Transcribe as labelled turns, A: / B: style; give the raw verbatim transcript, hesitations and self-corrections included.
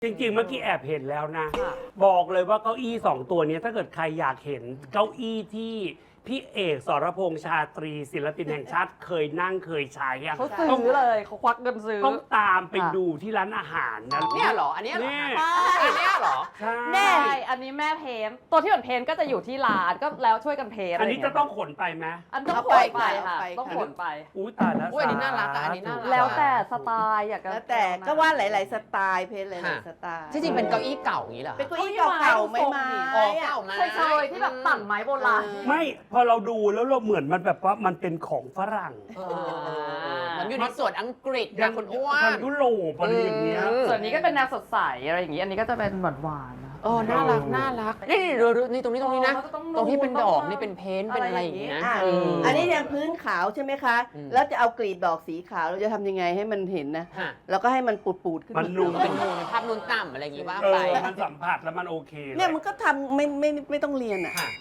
A: จริงๆเมื่อกี้แอบเห็นแล้วนะ
B: ค่ะ
A: บอกเลยว่าเก้าอี้สองตัวนี้ถ้าเกิดใครอยากเห็นเก้าอี้ที่พี่เอกสรพงษ์ชาตรีศิลปินแห่งชาติเคยนั่งเคยใช้อะ
B: เขาซื้อเลยเขาควักเงินซื้อ
A: ต้องตามไป
B: ค่ะ
A: ดูที่ร้านอาหารนะ
C: เนี่ยเหรอ อันเนี้ยเหรอ
A: นี่
C: อันเนี้ยเหรอ
A: ใช่
B: แน่อันนี้แม่เพนตัวที่เหมือนเพนก็จะอยู่ที่ร้านก็แล้วช่วยกันเพน
A: อันนี้จะต้องขนไปไหม
B: อันต้อง
D: เอา
B: ข
D: ไป
B: นไปค่ะ
D: เอาไป
B: ต้องขนไป
A: อุ้ยตายแล้ว
C: อุ๊ยอันนี้น่ารักอะอันนี้น่ารัก
B: แล้วแต่สไตล์อยากจะ
D: แล้วแต่ก็ว่าหลาย ๆ สไตล์เพลหลาย
C: ค่ะ
D: ๆสไตล์
C: ที่จริงเป็นเก้าอี้เก่าอย่างนี้เหรอ
D: เป็นเก้าอี้เก่าๆไม้ไม้
C: อ๋อ
D: อะ
C: เก่ามา
B: เคยๆที่แบบตัดไม้โบราณ
A: ไม่พอเราดูแล้วเราเหมือนมันแบบว่ามันเป็นของฝรั่ง
C: เออมันอยู่ในส่วนอังกฤษนะคุณอ้ว
A: ทาน งยุโรปอะไรอย่างเงี้ย
C: อืม
B: ส่วนนี้ก็เป็นแนวสดใสอะไรอย่างงี้ อันนี้ก็จะเป็นหวานหวานๆนะ
C: เออน่ารัก น่ารัก นี่นี่ดูดูนี่ตรงนี้ตรงนี้นะ
B: เออมันก็ต้อง
C: ตรงที่เป็นดอก
B: นูน
C: นี่เป็นเพ้นท์เป็นอะไรอย่างงี้นะ
D: อ่ะ
C: เออ
D: อันนี้ยังพื้นขาวใช่ไหมคะ
C: อืม
D: แล้วจะเอากลีบดอกสีขาวเราจะทำยังไงให้มันเห็นนะ
C: ฮะ
D: แล้วก็ให้มันปูดๆขึ้น
A: มันนูน
C: เป็นนูนเป็นภาพนูนต่ำอะไรอย่างงี้ว่า
A: เอ
C: ไป
A: อมันสัมผัสแล้วมันโอเค
D: เนี่ยมันก็ทำไม่ไม่ไม่ต้องเรียนอ่ะ
C: ค่ะ